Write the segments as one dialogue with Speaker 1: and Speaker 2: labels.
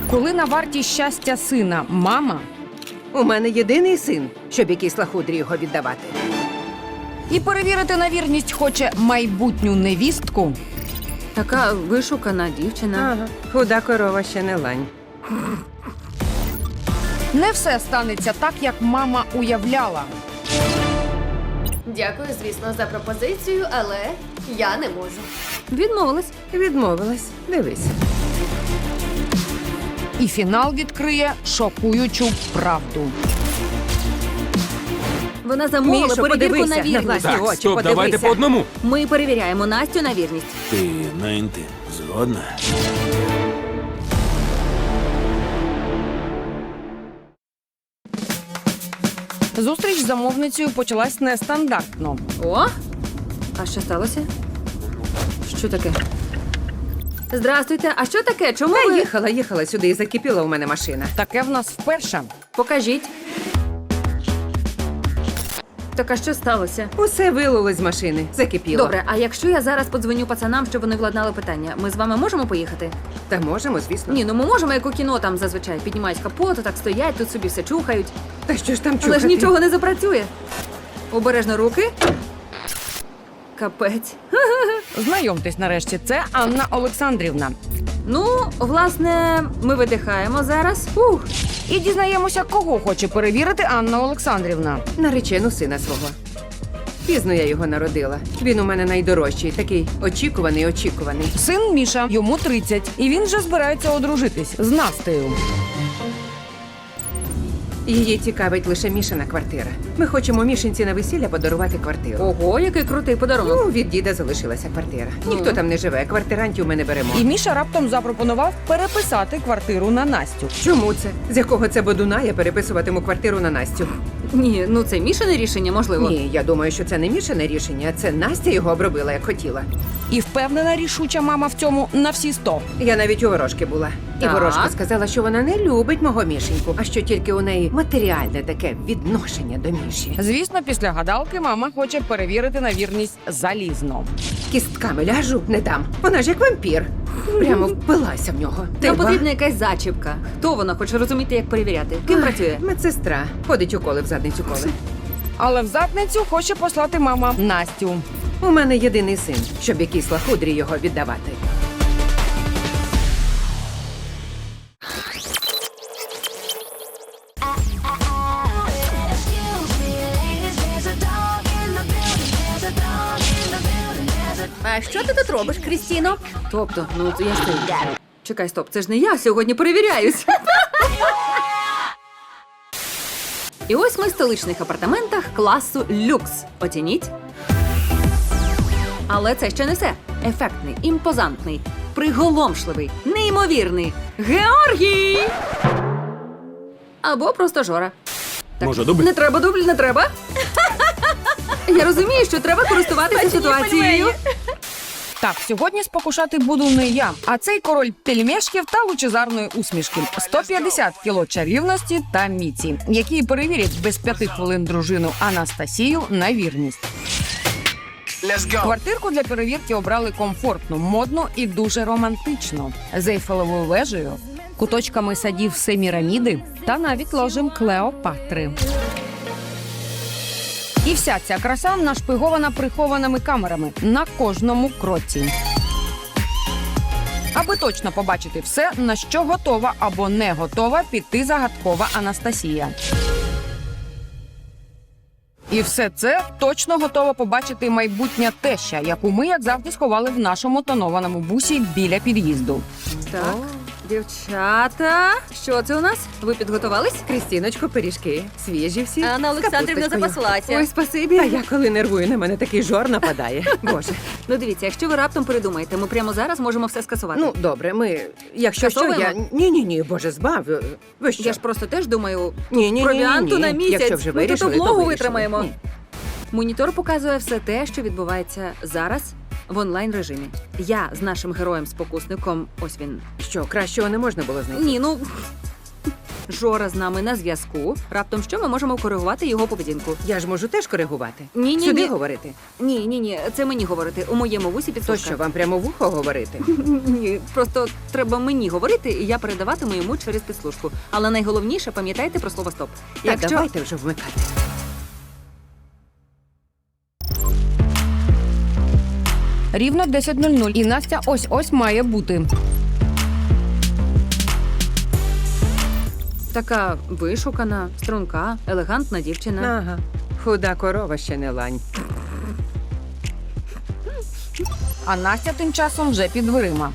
Speaker 1: Коли на варті щастя сина мама,
Speaker 2: У мене єдиний син, щоб якійсь лахудрі його віддавати.
Speaker 1: і перевірити на вірність хоче майбутню невістку,
Speaker 3: Така вишукана дівчина.
Speaker 2: Ага. Худа корова ще не лань.
Speaker 1: не все станеться так, як мама уявляла.
Speaker 4: Дякую, звісно, за пропозицію, але я не можу.
Speaker 3: Відмовилась.
Speaker 2: Відмовилась. Дивись.
Speaker 1: І фінал відкриє шокуючу правду.
Speaker 3: Вона замовила
Speaker 2: Мішо,
Speaker 3: перевірку
Speaker 2: подивися
Speaker 3: на
Speaker 2: на
Speaker 3: вірність.
Speaker 2: власні
Speaker 5: Так,
Speaker 2: очі,
Speaker 5: стоп, давайте
Speaker 2: подивися.
Speaker 5: по одному.
Speaker 3: Ми перевіряємо Настю на вірність.
Speaker 5: Ти на інтим згодна?
Speaker 1: Зустріч з замовницею почалась нестандартно.
Speaker 3: О! А що сталося? Що таке? Здрастуйте, а що таке? Чому
Speaker 2: Я
Speaker 3: ви...
Speaker 2: їхала сюди і закипіла у мене машина.
Speaker 1: Таке в нас вперше.
Speaker 3: Покажіть. Так, а що сталося?
Speaker 2: Усе вилилось з машини. Закипіло.
Speaker 3: Добре, а якщо я зараз подзвоню пацанам, щоб вони владнали питання, ми з вами можемо поїхати?
Speaker 2: Та можемо, звісно.
Speaker 3: Ні, ну ми можемо, як у кіно там зазвичай. Піднімають капот, так стоять, тут собі все чухають.
Speaker 2: Та що ж там чухати?
Speaker 3: Але ж нічого не запрацює. Обережно руки. Капець.
Speaker 1: Знайомтесь нарешті, це Анна Олександрівна.
Speaker 3: Ну, власне, ми видихаємо зараз. Ух.
Speaker 1: І дізнаємося, кого хоче перевірити Анна Олександрівна.
Speaker 2: Наречену сина свого. Пізно я його народила. Він у мене найдорожчий, такий очікуваний.
Speaker 1: Син Міша, йому 30, і він вже збирається одружитись з Настею.
Speaker 2: Її цікавить лише Мішина квартира. Ми хочемо Мішинці на весілля подарувати квартиру.
Speaker 3: Ого, який крутий подарунок.
Speaker 2: Ну, від діда залишилася квартира. Ніхто там не живе, квартирантів ми не беремо.
Speaker 1: І Міша раптом запропонував переписати квартиру на Настю.
Speaker 2: Чому це? З якого це бодуна я переписуватиму квартиру на Настю?
Speaker 3: Ні, ну це Мішине рішення, можливо.
Speaker 2: Ні, я думаю, що це не Мішине рішення, це Настя його обробила, як хотіла.
Speaker 1: І впевнена рішуча мама в цьому на всі 100.
Speaker 2: Я навіть у ворожки була. І
Speaker 3: Так.
Speaker 2: ворожка сказала, що вона не любить мого Мішеньку, а що тільки у неї матеріальне таке відношення до Міші.
Speaker 1: Звісно, після гадалки мама хоче перевірити на вірність залізно.
Speaker 2: Кістками ляжу, не дам. Вона ж як вампір. Прямо впилася в нього.
Speaker 3: Нам
Speaker 2: ба?
Speaker 3: потрібна якась зачіпка. Хто вона хоче розуміти, як перевіряти? Ким працює?
Speaker 2: Медсестра. Ходить уколи в задницю коли.
Speaker 1: Але в задницю хоче послати мама Настю.
Speaker 2: У мене єдиний син, щоб якійсь лахудрі його віддавати.
Speaker 4: А що ти тут робиш, Крістіно?
Speaker 3: Тобто, ну я стою. Чекай, стоп, це ж не я сьогодні перевіряюсь. І ось ми в столичних апартаментах класу люкс. Оцініть. Але це ще не все. Ефектний, імпозантний, приголомшливий, неймовірний Георгій! Або просто Жора.
Speaker 5: Може, дубль?
Speaker 3: Не треба дубль, не треба. Я розумію, що треба користуватися ситуацією.
Speaker 1: Так, сьогодні спокушати буду не я, а цей король пельмешків та лучезарної усмішки. 150 кіло чарівності та міці, які перевірять без 5 хвилин дружину Анастасію на вірність. Квартирку для перевірки обрали комфортну, модну і дуже романтично. З Ейфелевою вежею, куточками садів Семіраміди та навіть ложем Клеопатри. І вся ця краса нашпигована прихованими камерами на кожному кроці. Аби точно побачити все, на що готова або не готова піти загадкова Анастасія. І все це точно готова побачити майбутня теща, яку ми, як завжди, сховали в нашому тонованому бусі біля під'їзду.
Speaker 3: Так, дівчата, що це у нас? Ви підготувались?
Speaker 2: Крістіночко, пиріжки. Свіжі всі.
Speaker 4: Анна
Speaker 2: з
Speaker 4: Олександрівна
Speaker 2: капусточкою.
Speaker 4: запаслася.
Speaker 3: Ой, спасибі.
Speaker 2: Та я коли нервую, на мене такий жор нападає. Боже.
Speaker 3: Ну дивіться, якщо ви раптом передумаєте, ми прямо зараз можемо все скасувати.
Speaker 2: Ну, добре, ми... Якщо що, я...
Speaker 3: Скасовуємо?
Speaker 2: Ні, боже, збав. Ви що?
Speaker 3: я ж просто теж думаю,
Speaker 2: Ні.
Speaker 3: провіанту на місяць.
Speaker 2: Якщо вже
Speaker 3: ми тут
Speaker 2: вирішили, то
Speaker 3: облогу
Speaker 2: вирішили.
Speaker 3: витримаємо.
Speaker 2: Ні.
Speaker 3: Монітор показує все те, що відбувається зараз в онлайн-режимі. Я з нашим героєм-спокусником, ось він.
Speaker 2: Що, кращого не можна було знайти?
Speaker 3: Ні, ну Жора з нами на зв'язку. Раптом що ми можемо коригувати його поведінку?
Speaker 2: Я ж можу теж коригувати.
Speaker 3: Ні-ні-ні.
Speaker 2: Сюди говорити.
Speaker 3: Ні, це мені говорити. У моєму вусі
Speaker 2: То
Speaker 3: підслужка.
Speaker 2: що, вам прямо в ухо говорити?
Speaker 3: Ні, просто треба мені говорити, і я передаватиму йому через підслужку. Але найголовніше, пам'ятайте про слово стоп.
Speaker 2: Так, давайте вже вмикати.
Speaker 1: Рівно 10:00 і Настя ось-ось має бути.
Speaker 3: Така вишукана, струнка, елегантна дівчина.
Speaker 2: Ага. Худа корова ще не лань.
Speaker 1: А Настя тим часом вже під дверима.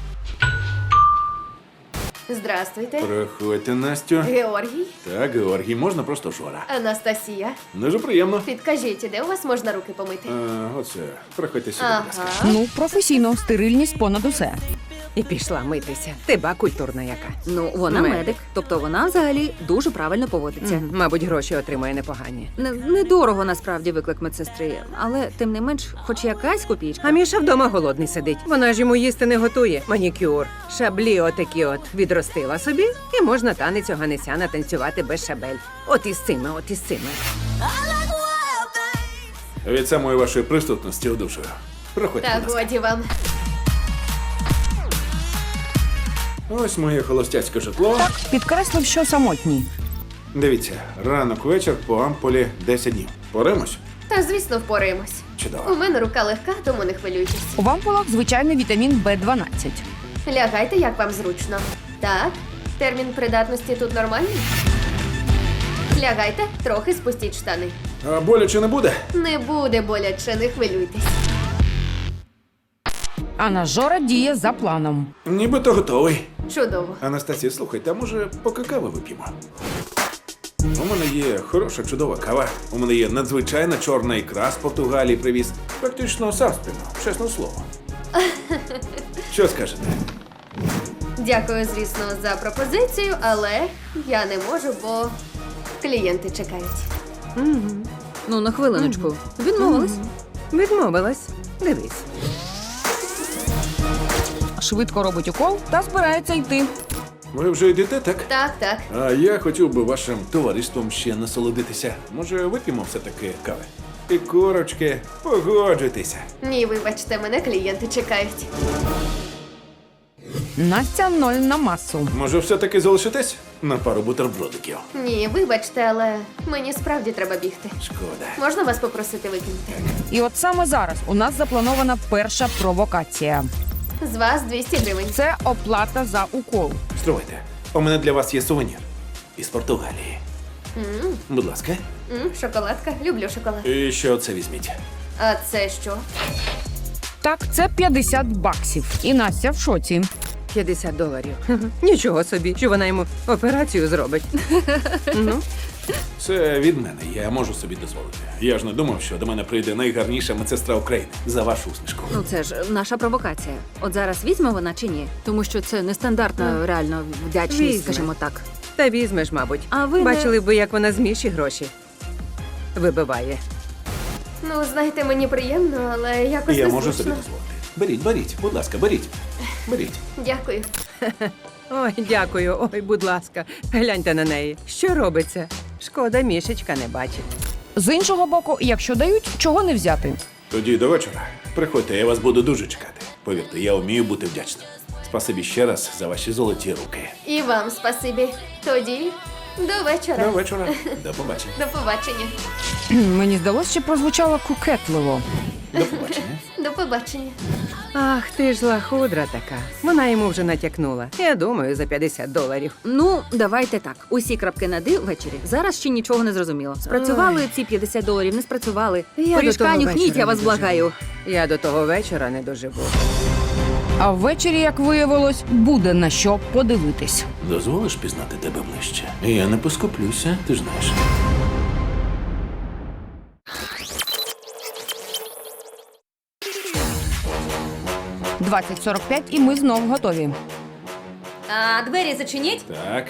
Speaker 4: Здрастуйте.
Speaker 5: Проходьте, Настю.
Speaker 4: Георгій,
Speaker 5: Так, Георгій, можна просто Жора.
Speaker 4: Анастасія.
Speaker 5: Дуже приємно.
Speaker 4: Підкажіть, де у вас можна руки помити?
Speaker 5: Оце, проходьте сюди, будь ласка.
Speaker 4: Ага.
Speaker 1: Ну, професійно, стерильність понад усе.
Speaker 2: І пішла митися. Ти ба культурна яка.
Speaker 3: Ну, вона
Speaker 2: Медик.
Speaker 3: медик. Тобто вона взагалі дуже правильно поводиться.
Speaker 2: Мабуть, гроші отримає непогані.
Speaker 3: Недорого насправді виклик медсестри, але тим не менш, хоч якась копійка.
Speaker 2: А Міша вдома голодний сидить. Вона ж йому їсти не готує. Манікюр, шаблі отакі от відростила собі, і можна танець Оганесяна танцювати без шабель. От із цими, от із цими.
Speaker 5: Від самої вашої присутності одужую. Проходьте,
Speaker 4: Та
Speaker 5: будь ласка.
Speaker 4: годі вам.
Speaker 5: Ось моє холостяцьке житло.
Speaker 1: Підкреслив, що самотній.
Speaker 5: Дивіться, ранок, вечір по ампулі 10 днів. Поремось?
Speaker 4: Та, звісно, впораємось.
Speaker 5: Чудово.
Speaker 4: У мене рука легка, тому не хвилюйтесь.
Speaker 1: У вампулах звичайний вітамін Б12.
Speaker 4: Лягайте, як вам зручно. Так, термін придатності тут нормальний? Лягайте, трохи спустіть штани.
Speaker 5: А боляче не буде?
Speaker 4: Не буде боляче, не хвилюйтесь.
Speaker 1: А наш Жора діє за планом.
Speaker 5: Нібито готовий.
Speaker 4: Чудово.
Speaker 5: Анастасія, слухайте, а може поки кави вип'ємо? У мене є хороша, чудова кава. У мене є надзвичайна чорна ікра з Португалії привіз. Практично сам спину, чесне слово. Що скажете?
Speaker 4: Дякую, звісно, за пропозицію, але я не можу, бо клієнти чекають.
Speaker 3: Ну, на хвилиночку. Відмовилась.
Speaker 2: Відмовилась. Дивись.
Speaker 1: Швидко робить укол та збирається йти.
Speaker 5: Ви вже йдете, так?
Speaker 4: Так.
Speaker 5: А я хотів би вашим товариством ще насолодитися. Може, вип'ємо все-таки кави? І корочки, погоджуйтеся.
Speaker 4: Ні, вибачте, мене клієнти чекають.
Speaker 1: Настя 0 на масу.
Speaker 5: Може, все-таки залишитесь на пару бутербродиків?
Speaker 4: Ні, вибачте, але мені справді треба бігти.
Speaker 5: Шкода.
Speaker 4: Можна вас попросити викинути?
Speaker 1: І от саме зараз у нас запланована перша провокація.
Speaker 4: З вас 200 гривень.
Speaker 1: Це оплата за укол.
Speaker 5: Стривайте, у мене для вас є сувенір. Із Португалії. Будь ласка.
Speaker 4: Шоколадка. Люблю шоколад.
Speaker 5: І ще оце візьміть.
Speaker 4: А це що?
Speaker 1: Так, це 50 баксів. І Настя в шоці.
Speaker 2: $50. Нічого собі, що вона йому операцію зробить. Ну,
Speaker 5: Це від мене, я можу собі дозволити. Я ж не думав, що до мене прийде найгарніша медсестра України за вашу усмішку.
Speaker 3: Ну, це ж наша провокація. От зараз візьме вона чи ні? Тому що це нестандартна реально вдячність,
Speaker 2: Візьме.
Speaker 3: скажімо так.
Speaker 2: та візьмеш, мабуть.
Speaker 3: А ви не-
Speaker 2: Бачили б ви, як вона з Міші гроші вибиває.
Speaker 4: Ну, знаєте, мені приємно, але якось
Speaker 5: Я
Speaker 4: незручно.
Speaker 5: можу собі дозволити. Беріть, будь ласка, беріть. Беріть.
Speaker 4: Дякую.
Speaker 2: Ой, дякую, ой, будь ласка, гляньте на неї. Що робиться? Шкода, Мішечка не бачить.
Speaker 1: З іншого боку, якщо дають, чого не взяти.
Speaker 5: Тоді до вечора. Приходьте, я вас буду дуже чекати. Повірте, я вмію бути вдячним. Спасибі ще раз за ваші золоті руки.
Speaker 4: І вам спасибі. Тоді до вечора.
Speaker 5: До вечора. До побачення.
Speaker 4: До побачення.
Speaker 1: Мені здалося, що прозвучало кукетливо.
Speaker 5: До побачення.
Speaker 4: До побачення.
Speaker 2: Ах, ти ж лахудра така. Вона йому вже натякнула. Я думаю, за $50.
Speaker 3: Ну, давайте так. Усі крапки над «і» ввечері. Зараз ще нічого не зрозуміло. Спрацювали ці $50, не спрацювали.
Speaker 2: Я
Speaker 3: Пиріжка
Speaker 2: до того
Speaker 3: нюхніть,
Speaker 2: вечора
Speaker 3: я вас
Speaker 2: не доживу.
Speaker 3: благаю.
Speaker 2: Я до того вечора не доживу.
Speaker 1: А ввечері, як виявилось, буде на що подивитись.
Speaker 5: Дозволиш пізнати тебе ближче? Я не поскуплюся, ти ж знаєш.
Speaker 1: – 20:45 і ми знов готові.
Speaker 3: А двері зачиніть.
Speaker 5: Так.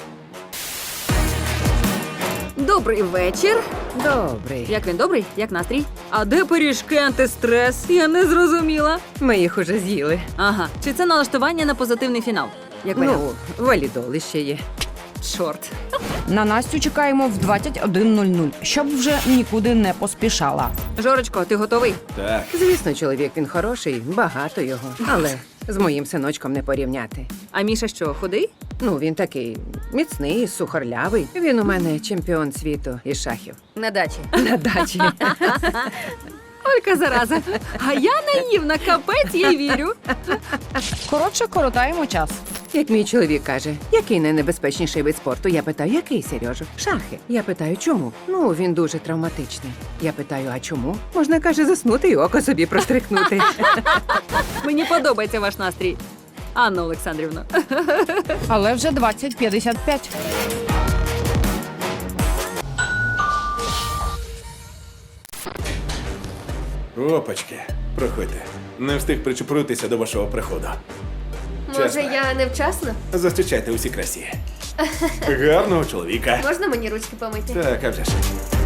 Speaker 3: Добрий вечір.
Speaker 2: Добрий.
Speaker 3: Як він добрий? Як настрій? А де пиріжки антистрес? Я не зрозуміла.
Speaker 2: Ми їх уже з'їли.
Speaker 3: Ага. Чи це налаштування на позитивний фінал? Як варіант?
Speaker 2: Ну, валідоли ще є.
Speaker 3: Чорт.
Speaker 1: На Настю чекаємо в 21:00, щоб вже нікуди не поспішала.
Speaker 3: Жорочко, ти готовий?
Speaker 5: Так,
Speaker 2: Звісно, чоловік він хороший, багато його. Але з моїм синочком не порівняти.
Speaker 3: А Міша що, худий?
Speaker 2: Ну, він такий міцний, сухорлявий. Він у мене чемпіон світу із шахів.
Speaker 3: На дачі.
Speaker 2: На дачі.
Speaker 3: Олька зараза. А я наївна, капець, їй вірю.
Speaker 1: Коротше, коротаємо час.
Speaker 2: Як мій чоловік каже, який найнебезпечніший вид спорту? Я питаю, який, Сережу? Шахи. Я питаю, чому? Ну, він дуже травматичний. Я питаю, а чому? Можна, каже, заснути і око собі прострикнути.
Speaker 3: Мені подобається ваш настрій. Анна Олександрівна.
Speaker 1: Але вже 20:55.
Speaker 5: опачки, проходьте. Не встиг причепуритися до вашого приходу.
Speaker 4: Може,
Speaker 5: Чесно.
Speaker 4: я невчасно?
Speaker 5: Зустрічайте усі красі. Гарного чоловіка.
Speaker 4: Можна мені ручки помити?
Speaker 5: Так, а вже ж.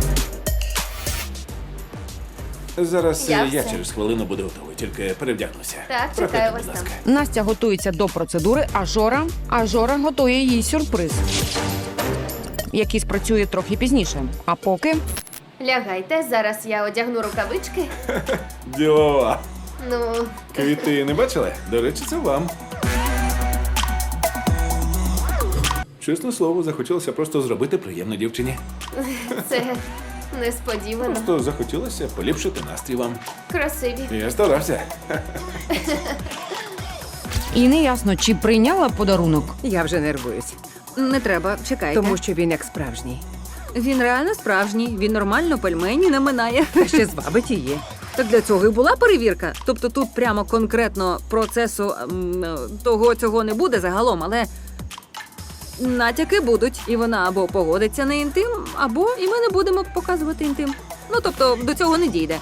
Speaker 5: Зараз
Speaker 4: Я
Speaker 5: я
Speaker 4: все.
Speaker 5: через хвилину буду готовий, тільки перевдягнуся.
Speaker 4: Так,
Speaker 5: Проходьте,
Speaker 4: чекаю
Speaker 5: будь
Speaker 4: вас
Speaker 5: ласка.
Speaker 1: Настя готується до процедури, а Жора готує їй сюрприз, який спрацює трохи пізніше. А поки
Speaker 4: Лягайте, зараз я одягну рукавички.
Speaker 5: Ділова.
Speaker 4: Ну,
Speaker 5: Квіти не бачили? До речі, це вам. Чесне слово, захотілося просто зробити приємно дівчині.
Speaker 4: це несподівано.
Speaker 5: Просто захотілося поліпшити настрій вам.
Speaker 4: Красиві.
Speaker 5: Я старався.
Speaker 1: і не ясно, чи прийняла подарунок.
Speaker 2: Я вже нервуюсь,
Speaker 3: Не треба, чекайте.
Speaker 2: тому що він як справжній.
Speaker 3: Він реально справжній, він нормально пельмені не минає.
Speaker 2: А ще звабить її.
Speaker 3: Так для цього і була перевірка. Тобто тут прямо конкретно процесу того цього не буде загалом, але натяки будуть. І вона або погодиться на інтим, або і ми не будемо показувати інтим. Ну тобто до цього не дійде.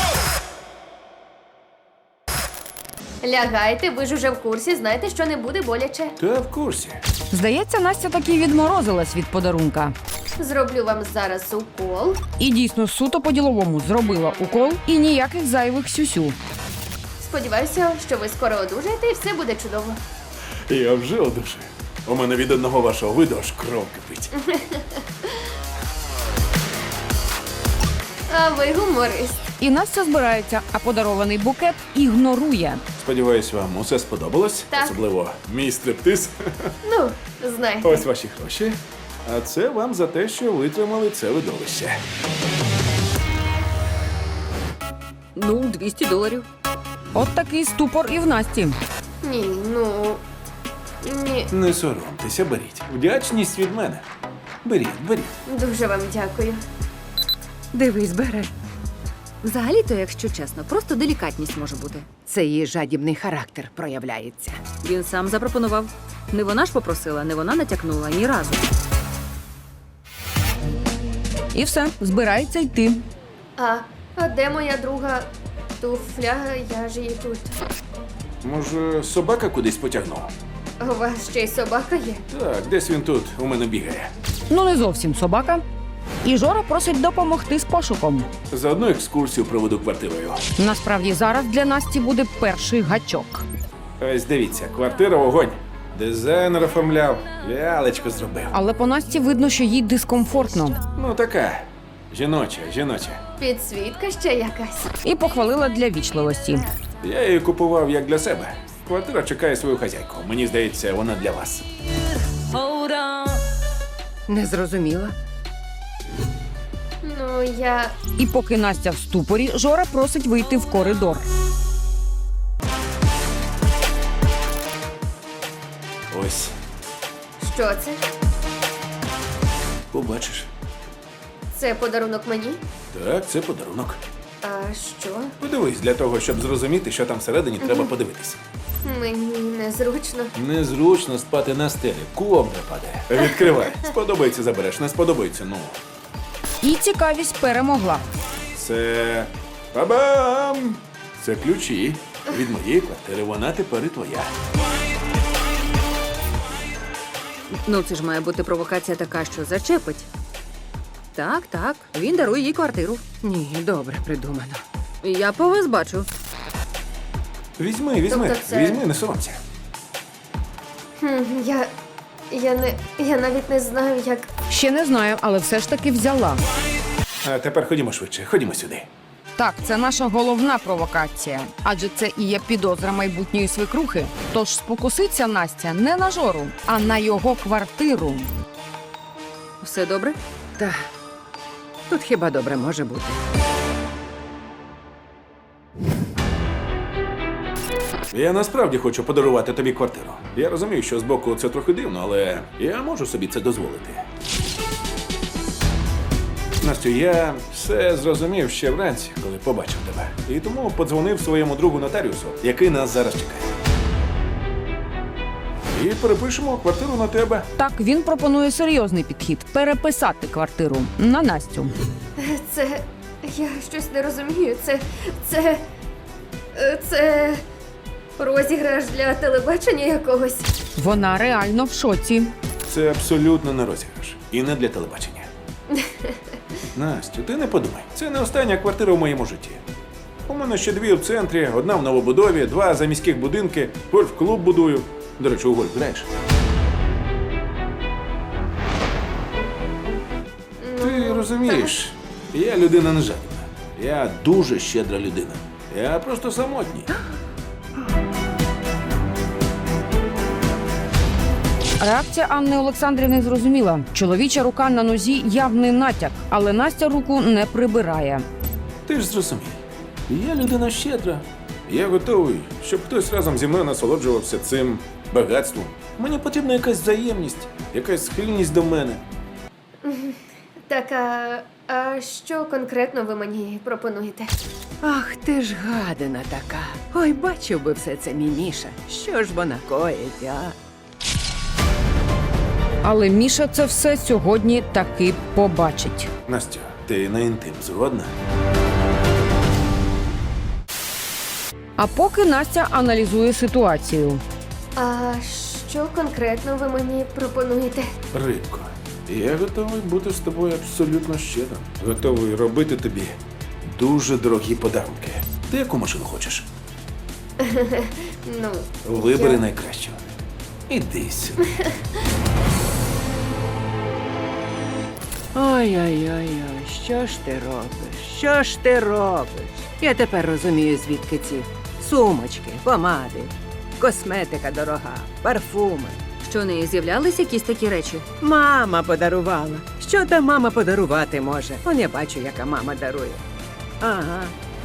Speaker 4: Лягайте, ви ж уже в курсі, знаєте, що не буде боляче.
Speaker 5: Та в курсі.
Speaker 1: Здається, Настя таки відморозилась від подарунка.
Speaker 4: Зроблю вам зараз укол.
Speaker 1: І дійсно суто по-діловому зробила укол і ніяких зайвих сюсю.
Speaker 4: Сподіваюся, що ви скоро одужаєте і все буде чудово.
Speaker 5: Я вже одужаю. У мене від одного вашого виду аж кров кипить.
Speaker 4: А ви гуморист.
Speaker 1: І Настя збирається, а подарований букет ігнорує.
Speaker 5: Сподіваюсь, вам усе сподобалось.
Speaker 4: Так.
Speaker 5: Особливо мій стриптиз.
Speaker 4: Ну, знаєте.
Speaker 5: Ось ваші гроші. А це вам за те, що витримали це видовище.
Speaker 3: Ну, $200.
Speaker 1: От такий ступор і в Насті.
Speaker 4: Ні, ну. Ні.
Speaker 5: Не соромтеся, беріть. Вдячність від мене. Беріть, беріть.
Speaker 4: Дуже вам дякую.
Speaker 2: Дивись, бере.
Speaker 3: Взагалі-то, якщо чесно, просто делікатність може бути.
Speaker 2: Це її жадібний характер проявляється.
Speaker 3: Він сам запропонував. Не вона ж попросила, не вона натякнула ні разу.
Speaker 1: І все, збирається йти.
Speaker 4: А де моя друга туфля? Я ж її тут.
Speaker 5: Може, собака кудись потягнув?
Speaker 4: У вас ще й собака є?
Speaker 5: Так, десь він тут у мене бігає.
Speaker 1: Ну, не зовсім собака. І Жора просить допомогти з пошуком.
Speaker 5: Заодно екскурсію проведу квартирою.
Speaker 1: Насправді зараз для Насті буде перший гачок.
Speaker 5: Ось дивіться, квартира вогонь. Дизайнер оформляв, лялечку зробив.
Speaker 1: Але по Насті видно, що їй дискомфортно.
Speaker 5: Ну така. Жіноча, жіноча.
Speaker 4: Підсвітка ще якась.
Speaker 1: І похвалила для вічливості.
Speaker 5: Я її купував як для себе. Квартира чекає свою хазяйку. Мені здається, вона для вас.
Speaker 2: Не зрозуміла.
Speaker 4: Ну, я.
Speaker 1: І поки Настя в ступорі, Жора просить вийти в коридор.
Speaker 5: Ось,
Speaker 4: Що це?
Speaker 5: побачиш.
Speaker 4: Це подарунок мені?
Speaker 5: Так, це подарунок.
Speaker 4: А що?
Speaker 5: Подивись, для того, щоб зрозуміти, що там всередині, треба подивитися.
Speaker 4: Мені незручно.
Speaker 5: Незручно спати на стелі, ковдра падає. Відкривай. Сподобається, забереш, не сподобається, ну.
Speaker 1: І цікавість перемогла.
Speaker 5: Це бабам! Це ключі від моєї квартири. Вона тепер і твоя.
Speaker 3: Ну, це ж має бути провокація така, що зачепить. Так, так, він дарує їй квартиру.
Speaker 2: Ні, добре придумано.
Speaker 3: Я по вас бачу.
Speaker 5: Візьми,
Speaker 4: Тобто це-
Speaker 5: візьми, не соромся.
Speaker 4: Я. Я навіть не знаю, як.
Speaker 1: Ще не знаю, але все ж таки взяла.
Speaker 5: А тепер ходімо швидше, ходімо сюди.
Speaker 1: Так, це наша головна провокація, адже це і є підозра майбутньої свекрухи. Тож спокуситься Настя не на Жору, а на його квартиру.
Speaker 3: Все добре?
Speaker 2: Та тут хіба добре може бути.
Speaker 5: Я насправді хочу подарувати тобі квартиру. Я розумію, що збоку це трохи дивно, але я можу собі це дозволити. Настю, я все зрозумів ще вранці, коли побачив тебе. І тому подзвонив своєму другу нотаріусу, який нас зараз чекає. І перепишемо квартиру на тебе.
Speaker 1: Так, він пропонує серйозний підхід – переписати квартиру на Настю.
Speaker 4: Це. Я щось не розумію. Це розіграш для телебачення якогось.
Speaker 1: Вона реально в шоці.
Speaker 5: Це абсолютно не розіграш. І не для телебачення. Настю, ти не подумай. Це не остання квартира в моєму житті. У мене ще 2 в центрі, 1 в новобудові, 2 заміських будинки, гольф-клуб будую. До речі, у гольф граєш? Ти розумієш, я людина не жадібна. Я дуже щедра людина. Я просто самотній.
Speaker 1: Реакція Анни Олександрівни зрозуміла. Чоловіча рука на нозі – явний натяк, але Настя руку не прибирає.
Speaker 5: Ти ж зрозумій, я людина щедра. Я готовий, щоб хтось разом зі мною насолоджувався цим багатством. Мені потрібна якась взаємність, якась схильність до мене.
Speaker 4: Так, а що конкретно ви мені пропонуєте?
Speaker 2: Ах, ти ж гадина така. Ой, бачив би все це мій Міша. Що ж вона коїть, а?
Speaker 1: Але Міша це все сьогодні таки побачить.
Speaker 5: Настя, ти на інтим згодна?
Speaker 1: А поки Настя аналізує ситуацію.
Speaker 4: А що конкретно ви мені пропонуєте?
Speaker 5: Рибко, я готовий бути з тобою абсолютно щедрим. Готовий робити тобі дуже дорогі подарунки. Ти яку машину хочеш?
Speaker 4: Ну,
Speaker 5: Вибери
Speaker 4: я-
Speaker 5: найкращу. Іди сюди.
Speaker 2: Ой-ой-ой, що ж ти робиш? Що ж ти робиш? Я тепер розумію, звідки ці сумочки, помади, косметика дорога, парфуми.
Speaker 3: Що не з'являлись якісь такі речі?
Speaker 2: Мама подарувала. Що та мама подарувати може? Он я бачу, яка мама дарує. Ага.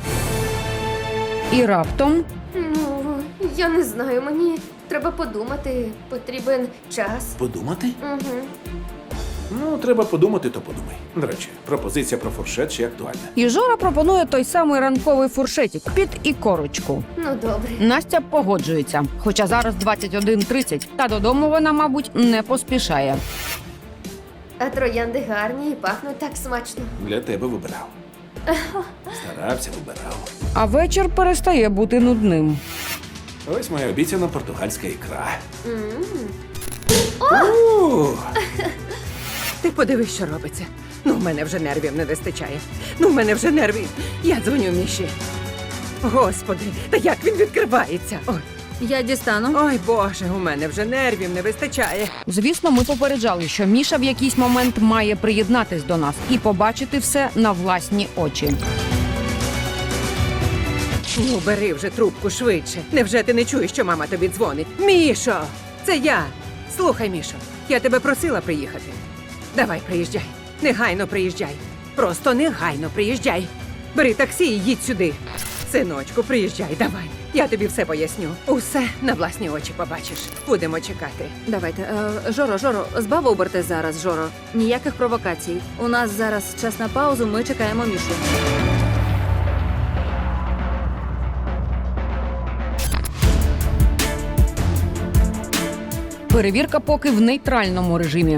Speaker 1: І раптом
Speaker 4: Ну, я не знаю, мені треба подумати, потрібен час.
Speaker 5: Подумати?
Speaker 4: Угу.
Speaker 5: Ну, треба подумати, то подумай. До речі, пропозиція про фуршет ще актуальна.
Speaker 1: і Жора пропонує той самий ранковий фуршетик під ікорочку.
Speaker 4: Ну, добре.
Speaker 1: Настя погоджується, хоча зараз 21:30, та додому вона, мабуть, не поспішає.
Speaker 4: А троянди гарні і пахнуть так смачно.
Speaker 5: Для тебе вибирав. Старався, вибирав.
Speaker 1: А вечір перестає бути нудним.
Speaker 5: Ось моя обіцяна португальська ікра.
Speaker 2: Ти подивись, що робиться. Ну, в мене вже нервів не вистачає. Ну, в мене вже нервів. Я дзвоню Міші. Господи, та як він відкривається? Ой,
Speaker 3: Я дістану.
Speaker 2: ой, Боже, у мене вже нервів не вистачає.
Speaker 1: Звісно, ми попереджали, що Міша в якийсь момент має приєднатись до нас і побачити все на власні очі.
Speaker 2: Ну, бери вже трубку швидше. Невже ти не чуєш, що мама тобі дзвонить? Мішо, це я. Слухай, Мішо, я тебе просила приїхати. Давай, приїжджай. Негайно приїжджай. Просто негайно приїжджай. Бери таксі і їдь сюди. Синочку, приїжджай, давай. Я тобі все поясню. Усе на власні очі побачиш. Будемо чекати.
Speaker 3: Давайте. Жоро, збав оберти зараз, Жоро. Ніяких провокацій. У нас зараз час на паузу, ми чекаємо Мішу.
Speaker 1: Перевірка поки в нейтральному режимі.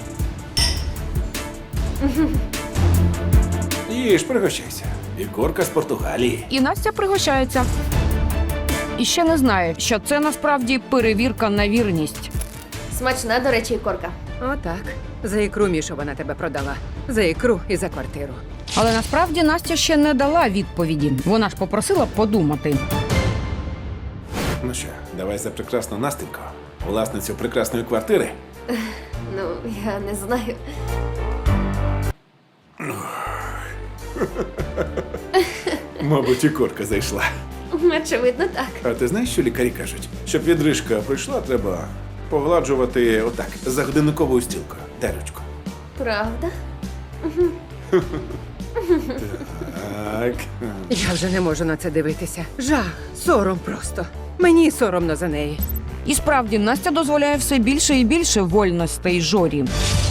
Speaker 5: Їж, пригощайся. Ікорка з Португалії.
Speaker 1: І Настя пригощається. І ще не знає, що це насправді перевірка на вірність.
Speaker 4: Смачна, до речі, ікорка.
Speaker 2: Отак. За ікру, Мішо, вона тебе продала. За ікру і за квартиру.
Speaker 1: Але насправді Настя ще не дала відповіді. Вона ж попросила подумати.
Speaker 5: Ну що, давай за прекрасну Настеньку, власницю прекрасної квартири,
Speaker 4: Ну, я не знаю.
Speaker 5: Мабуть, і корка зайшла.
Speaker 4: Очевидно, так.
Speaker 5: А ти знаєш, що лікарі кажуть? Щоб відрижка пройшла, треба погладжувати отак, за годинниковою стілкою. Терочку.
Speaker 4: Правда?
Speaker 5: Так.
Speaker 2: Я вже не можу на це дивитися. Жах, сором просто. Мені соромно за неї.
Speaker 1: І справді Настя дозволяє все більше і більше вольностей Жорі.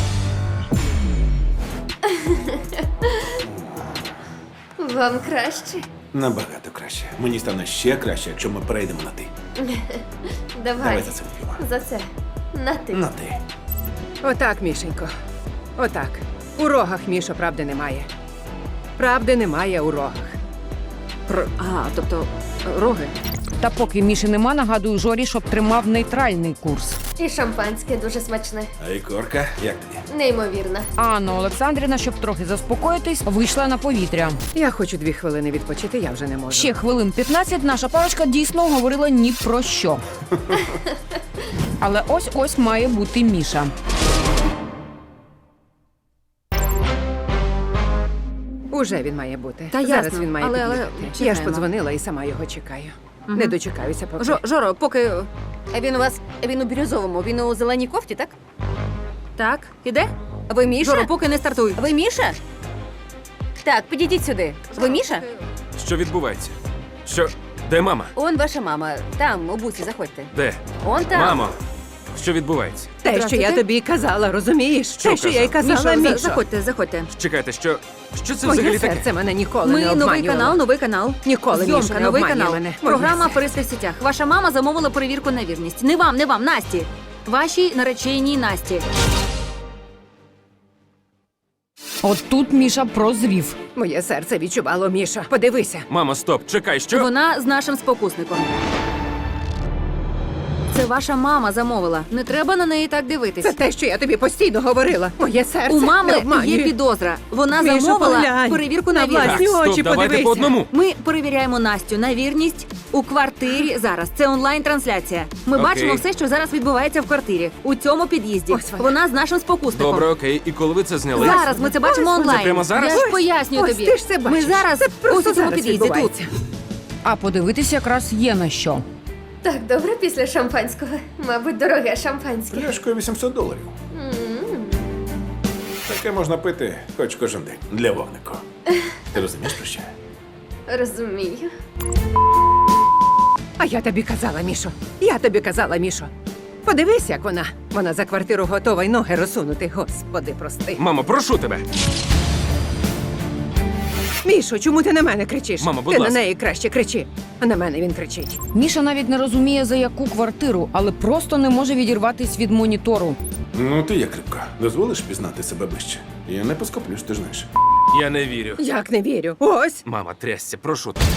Speaker 4: Вам краще?
Speaker 5: Набагато краще. Мені стане ще краще, якщо ми перейдемо на ти.
Speaker 4: Давай.
Speaker 5: Давай за це вип'ємо.
Speaker 4: За це. На ти.
Speaker 5: На ти.
Speaker 2: Отак, Мішенько. Отак. У рогах, Мішо, правди немає. Правди немає у рогах.
Speaker 3: Тобто роги.
Speaker 1: Та поки Міші нема, нагадую Жорі, щоб тримав нейтральний курс.
Speaker 4: І шампанське дуже смачне.
Speaker 5: А і корка, як тобі?
Speaker 4: Неймовірно.
Speaker 1: А Анна Олександрівна, щоб трохи заспокоїтись, вийшла на повітря.
Speaker 2: Я хочу 2 хвилини відпочити, я вже не можу.
Speaker 1: Ще хвилин 15 наша парочка дійсно говорила ні про що. Але ось-ось має бути Міша.
Speaker 2: Уже він має бути.
Speaker 3: Та
Speaker 2: Зараз
Speaker 3: ясно,
Speaker 2: він має
Speaker 3: але
Speaker 2: під'їхати. Я ж
Speaker 3: чекаємо.
Speaker 2: подзвонила і сама його чекаю. Не дочекаюся поки.
Speaker 3: Жоро, поки.
Speaker 6: А він у бірюзовому, він у зеленій кофті, так?
Speaker 3: Так, іде?
Speaker 6: Ви Міша?
Speaker 3: Жоро, поки не стартуй.
Speaker 6: Ви Міша? Так, підійдіть сюди. Ви Міша?
Speaker 7: Що відбувається? Що? Де мама?
Speaker 6: Он ваша мама. Там, у буці, заходьте.
Speaker 7: Де?
Speaker 6: Он там.
Speaker 7: Мамо! Що відбувається?
Speaker 2: Те, що я
Speaker 3: Здравствуйте.
Speaker 2: тобі й казала, розумієш? Те, що я й
Speaker 7: казав?
Speaker 2: казала,
Speaker 3: Мішо,
Speaker 2: Мішо.
Speaker 3: заходьте.
Speaker 7: Чекайте, що це
Speaker 2: Моє
Speaker 7: взагалі таке?
Speaker 2: серце мене ніколи
Speaker 3: Ми
Speaker 2: не обманювало.
Speaker 3: новий канал.
Speaker 2: Ніколи, Мішо,
Speaker 3: Зйомка,
Speaker 2: не
Speaker 3: новий
Speaker 2: обманює
Speaker 3: канал.
Speaker 2: мене. Моє
Speaker 3: Програма
Speaker 2: серце.
Speaker 3: «Аферисти в сітях». Ваша мама замовила перевірку на вірність. Не вам, Насті. Вашій нареченій Насті.
Speaker 1: От тут Міша прозрів.
Speaker 2: Моє серце відчувало, Міша. Подивися.
Speaker 7: Мамо, стоп, чекай, що?
Speaker 3: Вона з нашим спокусником. Це ваша мама замовила. Не треба на неї так дивитись.
Speaker 2: Це те, що я тобі постійно говорила. Моє серце
Speaker 3: У
Speaker 2: не
Speaker 3: мами
Speaker 2: обманює.
Speaker 3: є підозра. Вона
Speaker 2: Мішо,
Speaker 3: замовила
Speaker 2: поглянь.
Speaker 3: перевірку на
Speaker 2: На
Speaker 3: вірність.
Speaker 2: власні
Speaker 7: Так,
Speaker 2: очі
Speaker 7: стоп, давайте
Speaker 2: подивися.
Speaker 7: по одному.
Speaker 3: Ми перевіряємо Настю на вірність у квартирі зараз. Це онлайн-трансляція. Ми
Speaker 7: Окей.
Speaker 3: бачимо все, що зараз відбувається в квартирі. У цьому під'їзді.
Speaker 2: Ось вона.
Speaker 3: Вона з нашим спокусником.
Speaker 7: Добре, окей. І коли ви це зняли?
Speaker 3: Зараз ми це бачимо
Speaker 2: Ось
Speaker 3: онлайн.
Speaker 7: Це прямо зараз?
Speaker 3: Я ж пояснюю
Speaker 2: Ось
Speaker 3: тобі.
Speaker 2: ти ж це
Speaker 3: Ми
Speaker 2: бачиш.
Speaker 3: зараз
Speaker 2: Це просто
Speaker 3: ось у цьому
Speaker 2: зараз
Speaker 3: під'їзді тут.
Speaker 2: відбувається.
Speaker 1: А подивитись якраз є на що.
Speaker 4: Так добре після шампанського. Мабуть, дороге шампанське.
Speaker 5: Пляшкою $800. Таке можна пити хоч кожен день. Для вогнику. Ти розумієш про що?
Speaker 4: Розумію.
Speaker 2: А я тобі казала, Мішо. Я тобі казала, Мішо. Подивись, як вона. Вона за квартиру готова й ноги розсунути. Господи, прости.
Speaker 7: Мамо, прошу тебе.
Speaker 2: Мішо, чому ти на мене кричиш?
Speaker 7: Мамо, будь
Speaker 2: ти
Speaker 7: ласка.
Speaker 2: на неї краще кричи. А на мене він кричить.
Speaker 1: Міша навіть не розуміє, за яку квартиру, але просто не може відірватись від монітору.
Speaker 5: Ну, ти як рибка. Дозволиш пізнати себе ближче? Я не поскоплюсь, ти ж знаєш.
Speaker 7: Я не вірю.
Speaker 2: Як не вірю? Ось.
Speaker 7: Мама, трясся, прошу тебе.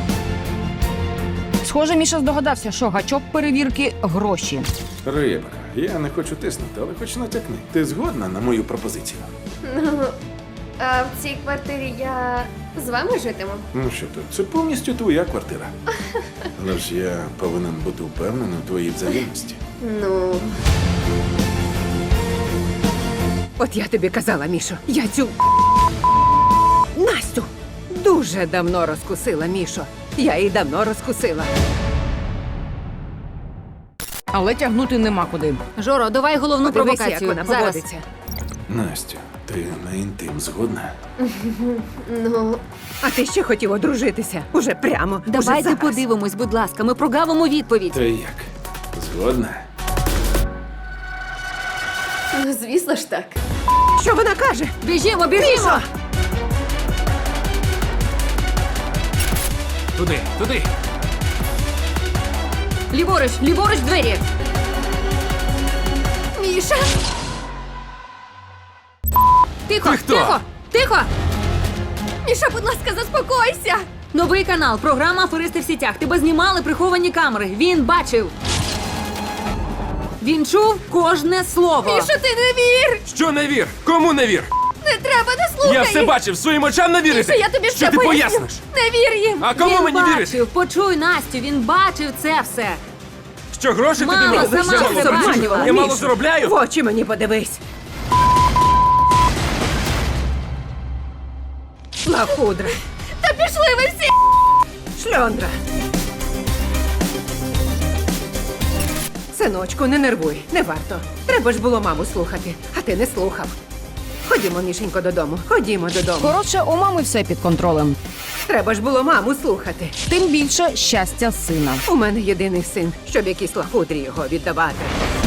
Speaker 1: Схоже, Міша здогадався, що гачок перевірки – гроші.
Speaker 5: Рибка, я не хочу тиснути, але хоч натякни. Ти згодна на мою пропозицію?
Speaker 4: Ну, а в цій квартирі я з вами житиму?
Speaker 5: Ну що тут, це повністю твоя квартира. Але ж я повинен бути впевнений у твоїй взаємності.
Speaker 4: Ну,
Speaker 2: От я тобі казала, Мішо, я цю Настю дуже давно розкусила, Мішо. Я її давно розкусила.
Speaker 1: Але тягнути нема куди.
Speaker 3: Жоро, давай головну
Speaker 2: Подивися, як
Speaker 3: провокацію.
Speaker 2: вона
Speaker 3: Зараз.
Speaker 2: поводиться.
Speaker 5: Настю, ти на інтим згодна?
Speaker 4: ну,
Speaker 2: А ти ще хотів одружитися? Уже прямо. уже
Speaker 3: Давайте
Speaker 2: зараз.
Speaker 3: подивимось, будь ласка. Ми прогавимо відповідь.
Speaker 5: Ти як? Згодна?
Speaker 4: ну, звісно ж так.
Speaker 2: Що вона каже?
Speaker 3: Біжімо!
Speaker 2: Мішо!
Speaker 7: Туди.
Speaker 3: Ліворуч двері!
Speaker 4: Міша!
Speaker 3: Тихо!
Speaker 7: Ти хто?
Speaker 3: Тихо!
Speaker 4: Міша, будь ласка, заспокойся!
Speaker 3: Новий канал, програма «Аферисти в сітях». Тебе знімали приховані камери. Він бачив. Він чув кожне слово.
Speaker 4: Міша, ти не вір!
Speaker 7: Що не вір? Кому не вір?
Speaker 4: Не треба, не слухай!
Speaker 7: Я все
Speaker 4: їх!
Speaker 7: бачив, своїм очам не вірити.
Speaker 4: Міша, я тобі
Speaker 7: Що
Speaker 4: все
Speaker 7: ти
Speaker 4: поясню.
Speaker 7: поясниш?
Speaker 4: Не вір їм!
Speaker 7: А кому
Speaker 3: Він
Speaker 7: мені
Speaker 3: бачив.
Speaker 7: вірити?
Speaker 3: Почуй Настю, він бачив це все.
Speaker 7: Що гроші тобі
Speaker 3: Мама
Speaker 7: мало?
Speaker 3: сама
Speaker 7: Я мало
Speaker 3: себе
Speaker 7: заробляю?
Speaker 3: обманювала.
Speaker 7: Я мало
Speaker 2: Міша,
Speaker 7: заробляю?
Speaker 2: В очі мені подивись. Лахудра.
Speaker 4: Та пішли ви всі!
Speaker 2: Шльондра. Синочку, не нервуй, не варто. Треба ж було маму слухати, а ти не слухав. Ходімо, Мішенько, додому. Ходімо додому.
Speaker 1: Коротше, у мами все під контролем.
Speaker 2: Треба ж було маму слухати.
Speaker 1: Тим більше щастя сина.
Speaker 2: У мене єдиний син, щоб якісь лахудрі його віддавати.